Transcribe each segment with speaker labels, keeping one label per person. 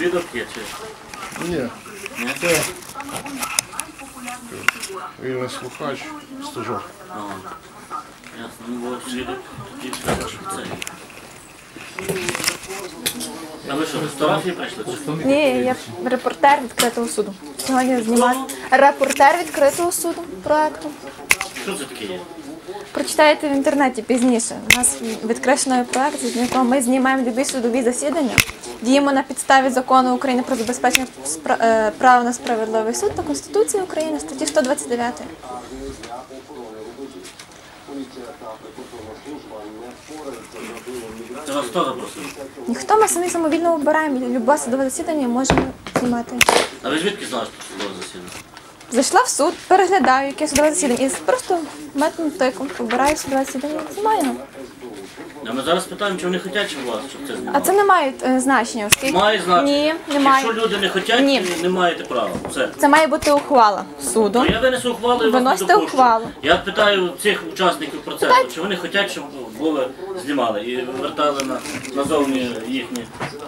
Speaker 1: свідок є чи?
Speaker 2: Ні. Це вільний слухач, стажок.
Speaker 1: Ага. Ясно, ну бо свідок тоді треба, щоб це. А ви що, фотографії прийшли?
Speaker 3: Ні, я репортер відкритого суду. Сьогодні знімаю репортер відкритого суду проекту.
Speaker 1: Що це таке є?
Speaker 3: Прочитаєте в інтернеті пізніше. У нас відкришений проект, з якого ми знімаємо любі судові засідання, діємо на підставі закону України про забезпечення права на справедливий суд та Конституції України, статті 129.
Speaker 1: Це вас хто запросив?
Speaker 3: Ніхто, ми самі самовільно обираємо любе судове засідання і можемо знімати.
Speaker 1: А ви звідки знали, що судове засідання?
Speaker 3: Зайшла в суд, переглядаю, яке судове засідання, і просто методом тиком обираю судове засідання і знімаю.
Speaker 1: А ми зараз питаємо, чи вони хочуть, чи вас, щоб це знімали?
Speaker 3: А це не має значення, оскільки...
Speaker 1: Має значення.
Speaker 3: Ні, немає.
Speaker 1: Якщо люди не хочуть,
Speaker 3: Ні.
Speaker 1: не маєте права. Все.
Speaker 3: Це має бути ухвала суду.
Speaker 1: Ну, я винесу ухвалу і вас не
Speaker 3: Виносите
Speaker 1: допущу.
Speaker 3: ухвалу.
Speaker 1: Я питаю цих учасників процесу, чи вони хочуть, щоб були знімали і вертали назовні їхні.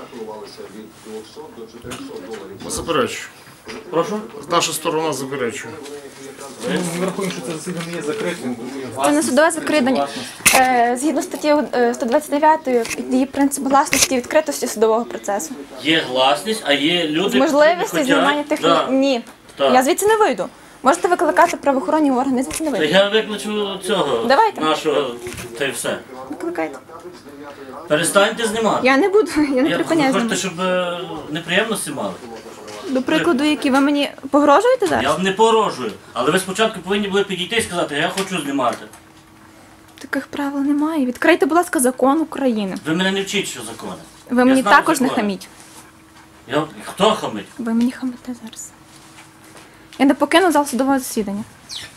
Speaker 2: Заперечую.
Speaker 1: Прошу?
Speaker 2: Наша сторона заперечує.
Speaker 4: Ми рахуємо, що це засідання є закритим.
Speaker 3: Це не судове закритання. Згідно статті 129 її принцип гласності і відкритості судового процесу.
Speaker 1: Є гласність, а є люди,
Speaker 3: З можливістю
Speaker 1: які
Speaker 3: знімання
Speaker 1: не
Speaker 3: тих...
Speaker 1: хочуть.
Speaker 3: Ні.
Speaker 1: Так.
Speaker 3: Я звідси не вийду. Можете викликати правоохоронні органи, я звідси не
Speaker 1: Та
Speaker 3: вийду.
Speaker 1: я викличу цього
Speaker 3: Давайте.
Speaker 1: нашого, та й все.
Speaker 3: Викликайте.
Speaker 1: Перестаньте знімати.
Speaker 3: Я не буду, я не
Speaker 1: Ви
Speaker 3: припиняю
Speaker 1: хочете,
Speaker 3: знімати.
Speaker 1: щоб неприємності мали?
Speaker 3: До прикладу, які ви мені погрожуєте зараз?
Speaker 1: Я вам не порожую, але ви спочатку повинні були підійти і сказати, я хочу знімати.
Speaker 3: Таких правил немає. Відкрийте, будь ласка, закон України.
Speaker 1: Ви мене не вчіть, що закони.
Speaker 3: Ви
Speaker 1: Я
Speaker 3: мені
Speaker 1: знаю
Speaker 3: також не
Speaker 1: закони.
Speaker 3: хаміть.
Speaker 1: Хто хамить?
Speaker 3: Ви мені хамите зараз. Я не покину зал судового засідання.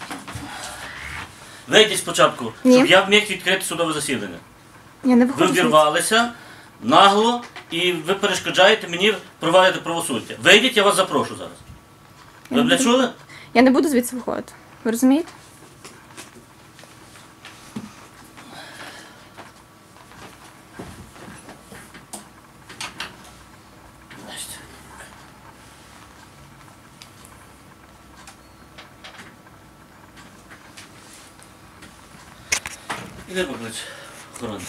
Speaker 1: Вийдіть спочатку,
Speaker 3: Ні.
Speaker 1: щоб я міг відкрити судове засідання.
Speaker 3: Я не
Speaker 1: Ви
Speaker 3: виходжу. звідси.
Speaker 1: вірвалися нагло і ви перешкоджаєте мені провадити правосуддя. Вийдіть, я вас запрошу зараз. Ви мене чули?
Speaker 3: Я не буду звідси виходити. Ви розумієте?
Speaker 1: Іди поклич охорони.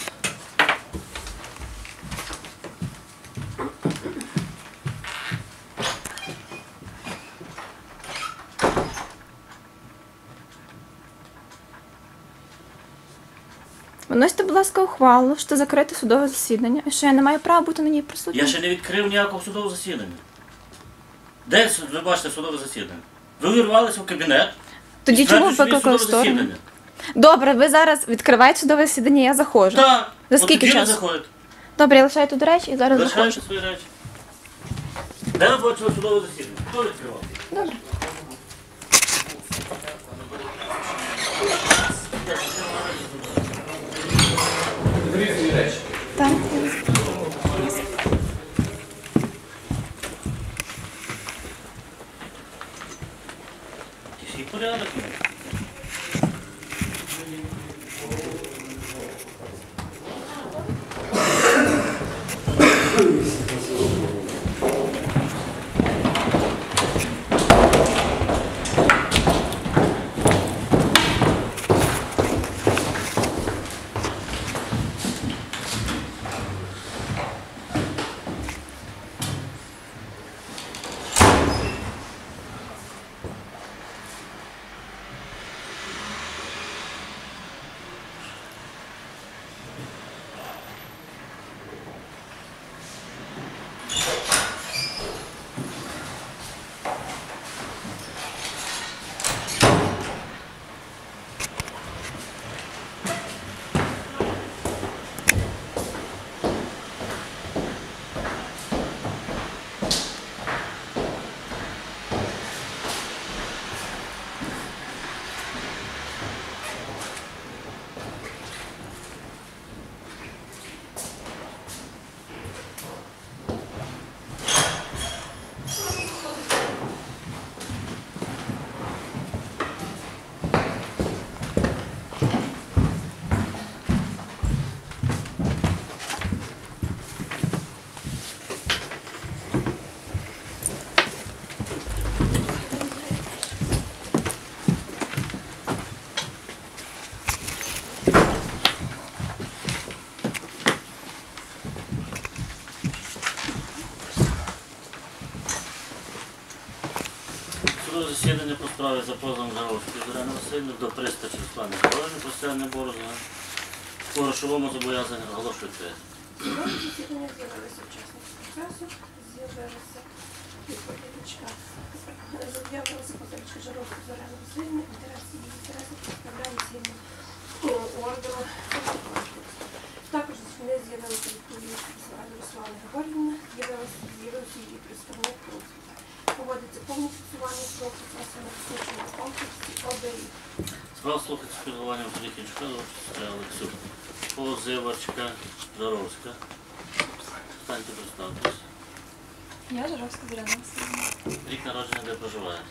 Speaker 3: Виносите, будь ласка, ухвалу, що закрите судове засідання, і що я не маю права бути на ній присутньою.
Speaker 1: Я ще не відкрив ніякого судового засідання. Де ви бачите судове засідання? Ви увірвалися в кабінет.
Speaker 3: Тоді
Speaker 1: і
Speaker 3: чому ви
Speaker 1: стверджуєте, що є
Speaker 3: викликали
Speaker 1: судове
Speaker 3: сторону?
Speaker 1: засідання.
Speaker 3: Добре, ви зараз відкриваєте судове засідання, я заходжу.
Speaker 1: Так.
Speaker 3: За
Speaker 1: От
Speaker 3: скільки
Speaker 1: тоді ви
Speaker 3: часу?
Speaker 1: заходите.
Speaker 3: Добре, я лишаю тут речі і зараз заходжу.
Speaker 1: Лишайте свої речі. Де ви бачили судове засідання? Хто відкривав?
Speaker 3: Добре. Так.
Speaker 1: Який порядок? справі за позовом Жаровської Зоряни Васильівни до пристачі Руслани Григорівни про стягнення борозни по грошовому зобов'язанню оголошую відкритим.
Speaker 5: Судове засідання з'явилися учасники процесу, з'явилася відповідачка, з'явилася позивачка Жаровської Зоряни Васильівни, інтереси представляє згідно ордеру. Також не з'явилися відповідачка Руслани Григорівни, з'явився її представник Руслана. Проводиться повне фіксування свого процесу на космічному комплексі ОБІ.
Speaker 1: Справа слухається з підготуванням тоді кінчка, Олексюк. Позивачка Жаровська. Станьте представтесь.
Speaker 6: Я Жаровська Зоряна Васильівна.
Speaker 1: Рік народження, де проживаєте?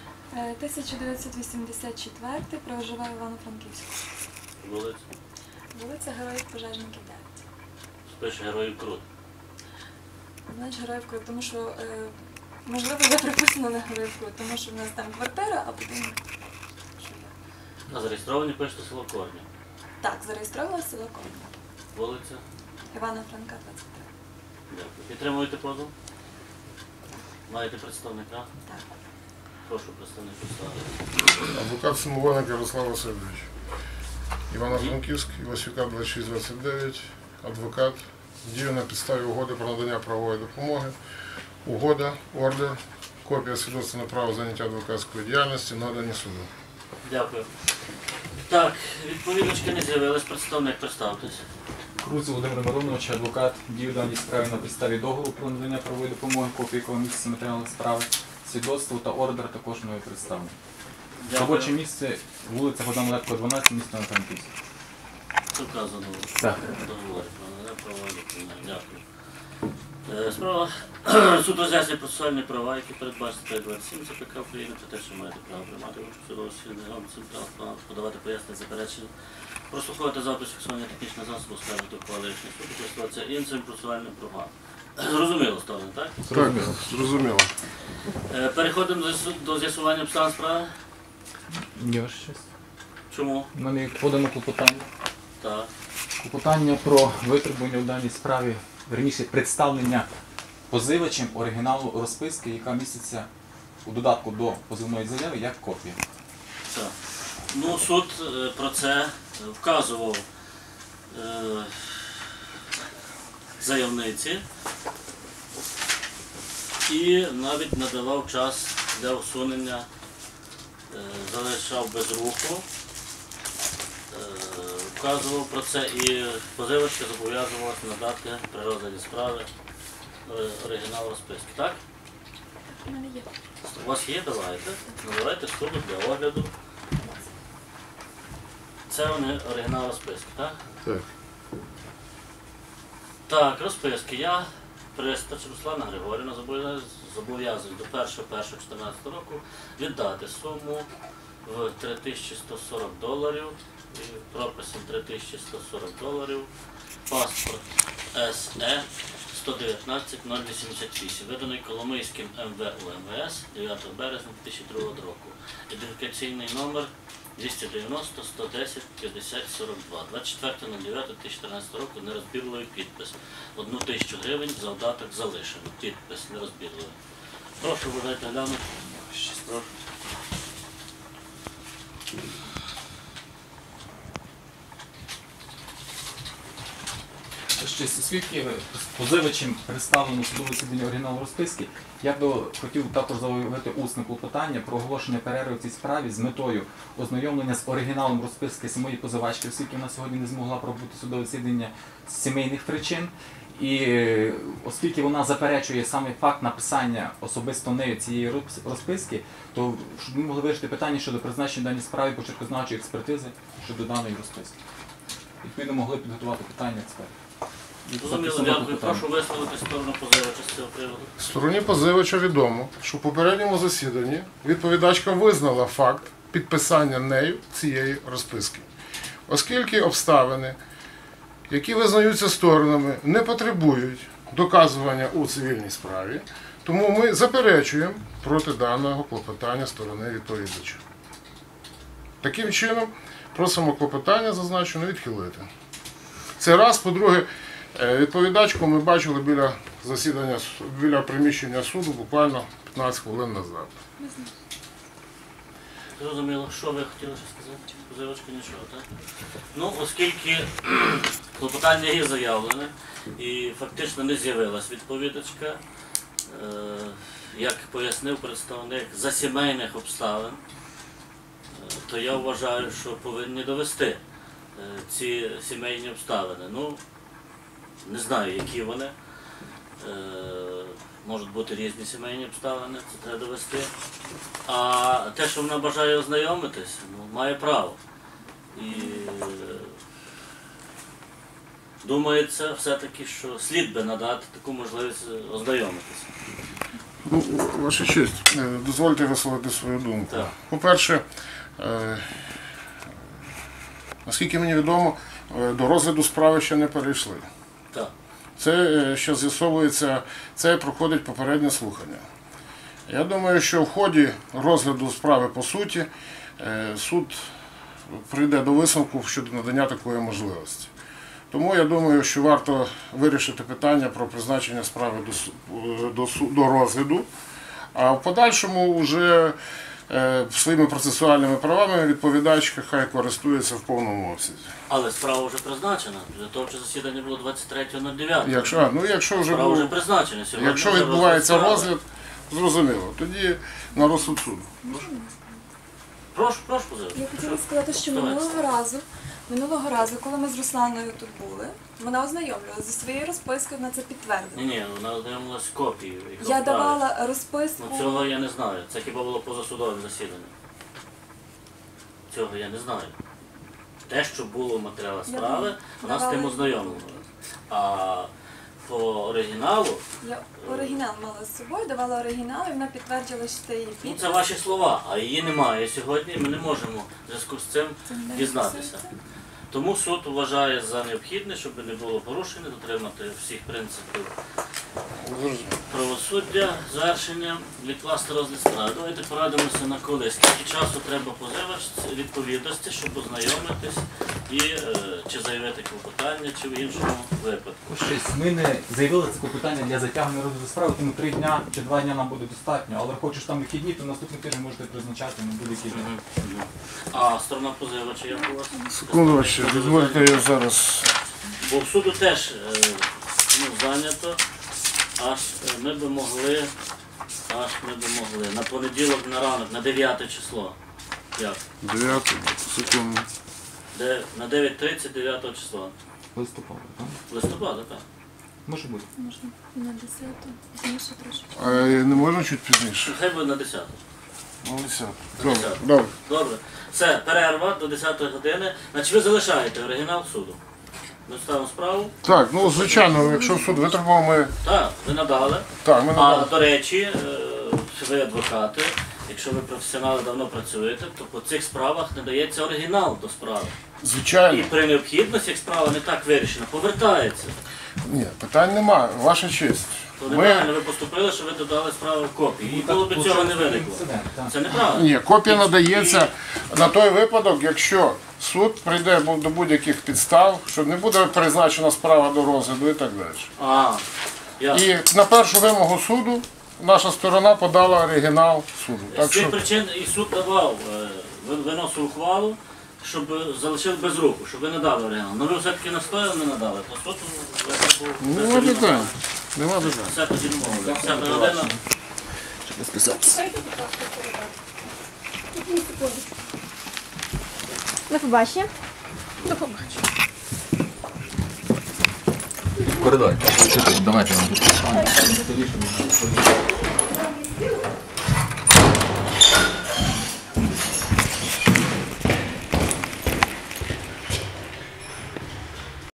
Speaker 6: 1984, проживаю в Івано-Франківську.
Speaker 1: Вулиця?
Speaker 6: Вулиця Героїв Пожежників 9.
Speaker 1: Спиш Героїв Крут.
Speaker 6: Знаєш, Героїв Крут, тому що, можливо, я приписана на Героїв Крут, тому що в нас там квартира, а будинок. що я.
Speaker 1: А зареєстровані пишете село Корні.
Speaker 6: Так, зареєстрована село Ковна.
Speaker 1: Вулиця?
Speaker 6: Івана Франка, 23.
Speaker 1: Дякую. Підтримуєте позов? Маєте представника?
Speaker 6: Так.
Speaker 1: Прошу представник представити.
Speaker 2: Адвокат Самовольник Ярослав Васильович. Івано-Франківськ, Івасюка 2629. Адвокат. Дію на підставі угоди про надання правової допомоги. Угода, ордер, копія свідоцтва на право заняття адвокатської діяльності надані суду.
Speaker 1: Дякую. Так, відповідачки не з'явились. Представник, представтесь.
Speaker 4: Круз Володимир Миронович, адвокат, дію в даній справі на підставі договору про надання правової допомоги, копії якого місяця матеріалів справи, свідоцтво та ордер також мною представлено. Робоче місце вулиця Богдана Лепко, 12, місто Івано-Франківськ.
Speaker 1: Це вказано.
Speaker 4: Так.
Speaker 1: Договори про надання правової допомоги. Дякую. Справа суд роз'яснює процесуальні права, які передбачені 527 ЦПК України, про те, що маєте право приймати участь у судовому засіданні, подавати пояснення заперечення, прослуховувати запис фіксування технічного засобу, скаржити ухвали рішення суду, користуватися іншим процесуальним правом. Зрозуміло ставлено, так?
Speaker 2: Так, зрозуміло.
Speaker 1: Переходимо до з'ясування обставин справи.
Speaker 4: Є ваше щось?
Speaker 1: Чому?
Speaker 4: У мене є подано клопотання.
Speaker 1: Так.
Speaker 4: Клопотання про витребування у даній справі, верніше представлення позивачем оригіналу розписки, яка міститься у додатку до позивної заяви як копія.
Speaker 1: Так. Ну, суд про це вказував заявниці і навіть надавав час для усунення, залишав без руху, вказував про це і позивачка зобов'язувалася надати при розгляді справи оригінал розписки. Так?
Speaker 6: У мене є.
Speaker 1: У вас є? Давайте. Надавайте суду для огляду. Це вони оригінал розписки, так?
Speaker 2: Так.
Speaker 1: Так, розписки. Я, пристач Руслана Григорівна, зобов'язую до 1.1.14 року віддати суму в $3140 і прописом $3140, паспорт СЕ 119-088, виданий Коломийським МВУ МВС 9 березня 2002 року. Ідентифікаційний номер 290 110 50 42. 24.09.2014 року нерозбірливий підпис. 1000 гривень завдаток залишено. Підпис нерозбірливий. Прошу, вважайте глянути. Прошу.
Speaker 4: Щось оскільки позивачем представлено судове засідання оригіналу розписки, я би хотів також заявити усне клопотання про оголошення перерви в цій справі з метою ознайомлення з оригіналом розписки самої позивачки, оскільки вона сьогодні не змогла пробути судове засідання з сімейних причин. І оскільки вона заперечує саме факт написання особисто нею цієї розписки, то щоб ми могли вирішити питання щодо призначення даній справі почеркознавчої експертизи щодо даної розписки. Відповідно, могли підготувати питання експертів.
Speaker 1: Зрозуміло, дякую. Прошу висловити сторону позивача з цього приводу.
Speaker 2: Стороні позивача відомо, що в попередньому засіданні відповідачка визнала факт підписання нею цієї розписки. Оскільки обставини, які визнаються сторонами, не потребують доказування у цивільній справі, тому ми заперечуємо проти даного клопотання сторони відповідача. Таким чином, просимо клопотання зазначено відхилити. Це раз. По-друге, відповідачку ми бачили біля засідання, біля приміщення суду буквально 15 хвилин назад.
Speaker 1: Зрозуміло, що ви хотіли ще сказати? Позивачка нічого, так? Ну, оскільки клопотання є заявлене і фактично не з'явилась відповідачка, як пояснив представник за сімейних обставин, то я вважаю, що повинні довести ці сімейні обставини. Ну, не знаю, які вони. Можуть бути різні сімейні обставини, це треба довести. А те, що вона бажає ознайомитись, ну, має право. І думається все-таки, що слід би надати таку можливість ознайомитися.
Speaker 2: Ну, ваша честь, дозвольте висловити свою думку.
Speaker 1: Так.
Speaker 2: По-перше, наскільки мені відомо, до розгляду справи ще не перейшли.
Speaker 1: Так.
Speaker 2: Це що з'ясовується, це проходить попереднє слухання. Я думаю, що в ході розгляду справи по суті суд прийде до висновку щодо надання такої можливості. Тому я думаю, що варто вирішити питання про призначення справи до розгляду, а в подальшому вже своїми процесуальними правами відповідачка хай користується в повному обсязі.
Speaker 1: Але справа вже призначена. Підготовче засідання було 23.09.
Speaker 2: Якщо вже
Speaker 1: Справа вже призначена. Сьогодні
Speaker 2: якщо
Speaker 1: вже
Speaker 2: відбувається
Speaker 1: справи.
Speaker 2: розгляд, зрозуміло, тоді на розсуд суду.
Speaker 1: Прошу позивати.
Speaker 6: Я хотіла сказати, що минулого разу, коли ми з Русланою тут були, вона ознайомлювалася зі своєю розпискою, вона це підтвердила.
Speaker 1: Ні, вона ознайомилась з копією. яка
Speaker 6: Я
Speaker 1: вправі.
Speaker 6: давала розписку.
Speaker 1: Ну цього я не знаю. Це хіба було позасудове засідання. Цього я не знаю. Те, що було в матеріалах справи, вона з тим ознайомлювалася. А по оригіналу,
Speaker 6: Я оригінал мала з собою, давала оригінал, і вона підтвердила, що це її
Speaker 1: ну
Speaker 6: підпис.
Speaker 1: це ваші слова, а її немає сьогодні, ми не можемо в зв'язку з цим дізнатися. Тому суд вважає за необхідне, щоб не було порушень, дотримати всіх принципів правосуддя, завершення, відкласти розгляд справи. Давайте порадимося на коли. Скільки часу треба позивачці відповідності, щоб ознайомитись і чи заявити клопотання, чи в іншому випадку.
Speaker 4: Щось ми не заявили це клопотання для затягнення розгляду справи, тому 3 дня чи 2 дня нам буде достатньо. Але хочеш там вихідні, то наступний тиждень можете призначати на будь-який день.
Speaker 1: А сторона позивача як у вас?
Speaker 2: Секунду, дозвольте я зараз.
Speaker 1: Бо в суду теж зайнято, аж ми би могли на понеділок на ранок, на 9 число. Як?
Speaker 2: 9 секунду.
Speaker 1: На 9:30 9 числа.
Speaker 4: Листопада, так?
Speaker 1: Листопада, так.
Speaker 4: Може бути.
Speaker 6: Можна на 10-ту, пізніше трошки.
Speaker 2: А не можна чуть пізніше?
Speaker 1: Хай буде на 10.
Speaker 2: Ну, 10.
Speaker 1: На
Speaker 2: Добре,
Speaker 1: 10.
Speaker 2: добре.
Speaker 1: Добре. Все, перерва до 10 години. Значить ви залишаєте оригінал суду. Ми ставимо справу.
Speaker 2: Так, ну звичайно, якщо суд витребував, ми.
Speaker 1: Так, ви надали.
Speaker 2: Так, ми
Speaker 1: А
Speaker 2: надали.
Speaker 1: до речі, ви адвокати, якщо ви професіонали давно працюєте, то по цих справах не дається оригінал до справи. І
Speaker 2: Звичайно.
Speaker 1: при необхідності, як справа не так вирішена, повертається.
Speaker 2: Ні, питань немає. Ваша честь.
Speaker 1: То
Speaker 2: Ми...
Speaker 1: неправильно ви поступили, що ви додали справу в копії. І було б цього не виникло. Це неправильно.
Speaker 2: Ні, копія надається на той випадок, якщо суд прийде до будь-яких підстав, що не буде призначена справа до розгляду і так далі.
Speaker 1: А, ясно.
Speaker 2: І на першу вимогу суду наша сторона подала оригінал суду.
Speaker 1: З
Speaker 2: Так
Speaker 1: цих
Speaker 2: що
Speaker 1: причин і суд давав, виносив ухвалу, щоб залишили без руху, щоб ви не дали оригінал. Ну ви все-таки настояли, не надали, то суд
Speaker 2: нема питань. Нема питань.
Speaker 1: все тоді домовили. 10 година.
Speaker 5: Дайте, будь ласка, передати. Одну секундочку.
Speaker 3: До побачення.
Speaker 4: Коридор. Давайте нам тут.